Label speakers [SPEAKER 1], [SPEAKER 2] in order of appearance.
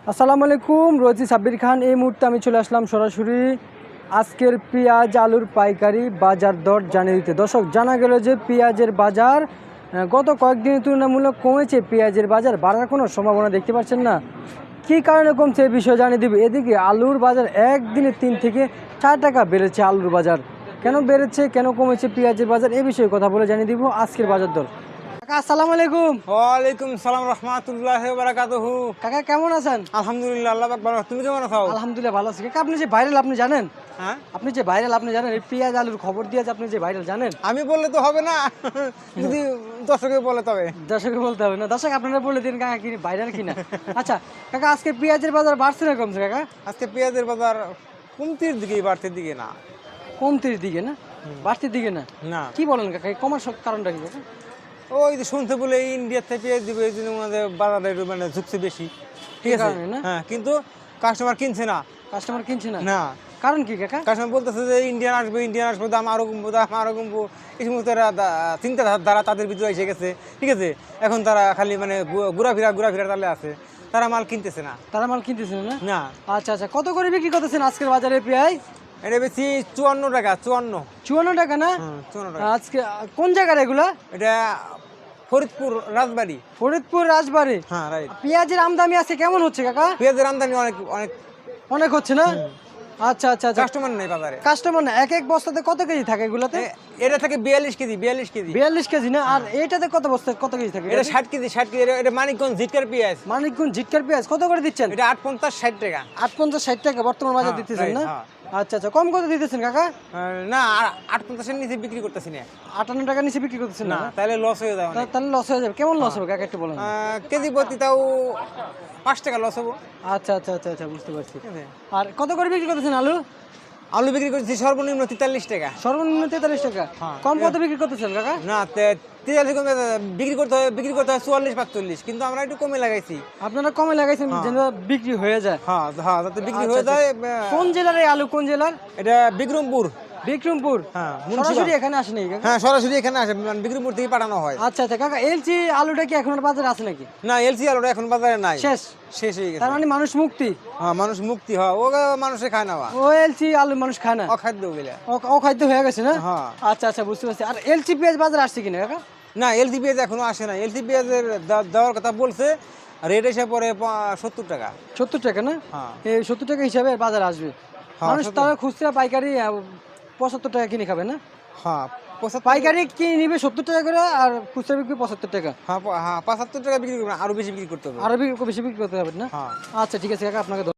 [SPEAKER 1] আসসালামু আলাইকুম, রয়েছি সাব্বির খান। এই মুহূর্তে আমি চলে আসলাম সরাসরি আজকের পেঁয়াজ আলুর পাইকারি বাজার দর জানিয়ে দিতে। দর্শক, জানা গেল যে পেঁয়াজের বাজার গত কয়েকদিনের তুলনামূলক কমেছে। পেঁয়াজের বাজার বাড়ার কোনো সম্ভাবনা দেখতে পাচ্ছেন না। কী কারণে কমছে এই বিষয়ে জানিয়ে দিব। এদিকে আলুর বাজার একদিনে 3 থেকে 4 টাকা বেড়েছে। আলুর বাজার কেন বেড়েছে, কেন কমেছে পেঁয়াজের বাজার, এই বিষয়ে কথা বলে জানিয়ে দিব আজকের বাজার দর। কাকা আসসালামু আলাইকুম।
[SPEAKER 2] ওয়ালাইকুম সালাম রাহমাতুল্লাহি ওয়া বারাকাতুহু।
[SPEAKER 1] কাকা কেমন আছেন?
[SPEAKER 2] আলহামদুলিল্লাহ, আল্লাহ পাক ভালো। তুমি কেমন আছো?
[SPEAKER 1] আলহামদুলিল্লাহ ভালো আছি। কাকা আপনি যে ভাইরাল, আপনি জানেন?
[SPEAKER 2] হ্যাঁ,
[SPEAKER 1] আপনি যে ভাইরাল, আপনি জানেন এই পেঁয়াজ আলুর খবর দিয়ে আপনি যে ভাইরাল, জানেন?
[SPEAKER 2] আমি বললে তো হবে না, যদি দর্শকে বলে তবে।
[SPEAKER 1] দর্শককে বলতে হবে না। দর্শক আপনারা বলে দিন কাকা কি ভাইরাল কিনা। আচ্ছা কাকা, আজকে পেঁয়াজের বাজার বাড়ছে না কমছে কাকা?
[SPEAKER 2] আজকে পেঁয়াজের বাজার কমতির দিকে, বাড়তির দিকে না।
[SPEAKER 1] কমতির দিকে না, বাড়তির দিকে না?
[SPEAKER 2] না,
[SPEAKER 1] কি বলেন কাকা, এই কমার কারণটা কি কাকা?
[SPEAKER 2] ওই যে শুনতে বলে ইন্ডিয়া থেকে পেঁয়াজ দিবে, এই জন্য আমাদের বাজারে একটু মানে ঝুঁকছে বেশি। ঠিক
[SPEAKER 1] এই
[SPEAKER 2] আছে,
[SPEAKER 1] কারণে না?
[SPEAKER 2] হ্যাঁ, কিন্তু কাস্টমার কিনছে না।
[SPEAKER 1] কাস্টমার কিনছে না?
[SPEAKER 2] না,
[SPEAKER 1] কারণ কি কাকা?
[SPEAKER 2] কাস্টমার বলতেছে যে ইন্ডিয়ান আসবে, ইন্ডিয়ান আসবে, দাম আরো কমবো, দাম আরো কমবো। এই সমস্ত চিন্তাধারা তাদের ভিতরে এসে গেছে। ঠিক আছে, এখন তারা খালি মানে ঘোরাফেরা তালে আছে, তারা মাল কিনতেছে না।
[SPEAKER 1] তারা মাল কিনতেছে না?
[SPEAKER 2] না,
[SPEAKER 1] আচ্ছা আচ্ছা, কত করে বিক্রি করতেছেন আজকের বাজারে পেঁয়াজ?
[SPEAKER 2] এটা বেশি 54 টাকা।
[SPEAKER 1] 54 টাকা না?
[SPEAKER 2] 54 টাকা।
[SPEAKER 1] আজকে কোন জায়গার এগুলা?
[SPEAKER 2] এটা ফরিদপুর রাজবাড়ি।
[SPEAKER 1] ফরিদপুর রাজবাড়ি।
[SPEAKER 2] হ্যাঁ, রাইট।
[SPEAKER 1] পেঁয়াজের আমদানি আছে কেমন হচ্ছে কাকা?
[SPEAKER 2] পেঁয়াজের আমদানি অনেক অনেক
[SPEAKER 1] অনেক হচ্ছে না? আচ্ছা আচ্ছা আচ্ছা,
[SPEAKER 2] কাস্টমার নেই বাজারে।
[SPEAKER 1] কাস্টমার না। এক এক বস্তাতে কত কেজি থাকে এগুলাতে?
[SPEAKER 2] এটা থেকে 42 কেজি।
[SPEAKER 1] 42 কেজি না? আর এইটাতে কত বস্তা কত কেজি থাকে?
[SPEAKER 2] এটা 60 কেজি। এটা মানিকগঞ্জ জিটকার পেঁয়াজ।
[SPEAKER 1] মানিকগঞ্জ জিটকার পেঁয়াজ কত করে দিচ্ছেন?
[SPEAKER 2] এটা 850 60 টাকা।
[SPEAKER 1] 850-60 টাকা বর্তমান বাজার
[SPEAKER 2] হ্যাঁ,
[SPEAKER 1] দিতেছেন
[SPEAKER 2] right,
[SPEAKER 1] না?
[SPEAKER 2] হ্যাঁ।
[SPEAKER 1] আচ্ছা আচ্ছা, কম কত দিতেছেন কাকা?
[SPEAKER 2] না, 850 এর নিচে বিক্রি করতেছি না।
[SPEAKER 1] 58 টাকা নিচে বিক্রি করতেছেন
[SPEAKER 2] না,
[SPEAKER 1] না?
[SPEAKER 2] তাহলে লস হয়ে যাবে।
[SPEAKER 1] তাহলে লস হয়ে যাবে। কেমন লস হবে কাকা, একটু বলেন।
[SPEAKER 2] কেজি প্রতি তাও 5 টাকা লস হবো।
[SPEAKER 1] আচ্ছা আচ্ছা আচ্ছা আচ্ছা, বুঝতে পারছি।
[SPEAKER 2] ঠিক আছে।
[SPEAKER 1] আর কত করে বিক্রি করতেছেন আলু?
[SPEAKER 2] আলু বিক্রি করছি সর্বনিম্ন 43 টাকা।
[SPEAKER 1] সর্বনিম্ন 43 টাকা।
[SPEAKER 2] হ্যাঁ।
[SPEAKER 1] কম কত বিক্রি করতেছেন কাকা?
[SPEAKER 2] না, 43 কমে বিক্রি করতে হয় 44 45, কিন্তু আমরা একটু কমে লাগাইছি।
[SPEAKER 1] আপনারা কমে লাগাইছেন যেন বিক্রি হয়ে যায়।
[SPEAKER 2] হ্যাঁ হ্যাঁ, যাতে বিক্রি
[SPEAKER 1] আচ্ছা,
[SPEAKER 2] হয়ে যায়।
[SPEAKER 1] কোন জেলার এই আলু, কোন জেলার?
[SPEAKER 2] এটা বিক্রমপুর।
[SPEAKER 1] বিক্রমপুর।
[SPEAKER 2] হ্যাঁ,
[SPEAKER 1] সরাসরি এখানে আসে নাকি কাকা?
[SPEAKER 2] হ্যাঁ, সরাসরি এখানে আসে, মানে বিক্রমপুর থেকে পাঠানো হয়।
[SPEAKER 1] আচ্ছা আচ্ছা কাকা, এলচি আলুটা কি এখন আর বাজারে আছে নাকি?
[SPEAKER 2] না, এলসি আলুটা এখন বাজারে নাই,
[SPEAKER 1] শেষ।
[SPEAKER 2] শেষ হয়ে গেছে।
[SPEAKER 1] তার মানে মানুষ মুক্তি।
[SPEAKER 2] হ্যাঁ, মানুষ মুক্তি হয়, ও মানুষে খায় না।
[SPEAKER 1] ও এলচি আলু মানুষ খায় না,
[SPEAKER 2] অখাদ্য গেলে।
[SPEAKER 1] অখাদ্য হয়ে গেছে না?
[SPEAKER 2] হ্যাঁ।
[SPEAKER 1] আচ্ছা আচ্ছা, বুঝতে পারছি। আর এলচি পেঁয়াজ বাজারে আসছে কিনা কাকা?
[SPEAKER 2] না, এলসি পেঁয়াজ এখনো আসে না। এলসি পেঁয়াজের দেওয়ার কথা বলছে, রেট এসে পরে 70 টাকা।
[SPEAKER 1] 70 টাকা না?
[SPEAKER 2] হ্যাঁ।
[SPEAKER 1] এই 70 টাকা হিসাবে বাজারে আসবে।
[SPEAKER 2] হ্যাঁ,
[SPEAKER 1] মানুষ
[SPEAKER 2] 70
[SPEAKER 1] তারা খুচরা পাইকারি 75 টাকা কিনে খাবে না?
[SPEAKER 2] হ্যাঁ, 75
[SPEAKER 1] পাইকারি কিনে নিবে 70 টাকা করে, আর খুচরা বিক্রি 75 টাকা।
[SPEAKER 2] হ্যাঁ, 75 টাকা বিক্রি করবে, আরো বেশি বিক্রি করতে হবে।
[SPEAKER 1] আরো বেশি বিক্রি করতে হবে না?
[SPEAKER 2] হ্যাঁ।
[SPEAKER 1] আচ্ছা ঠিক আছে কাকা, আপনাকে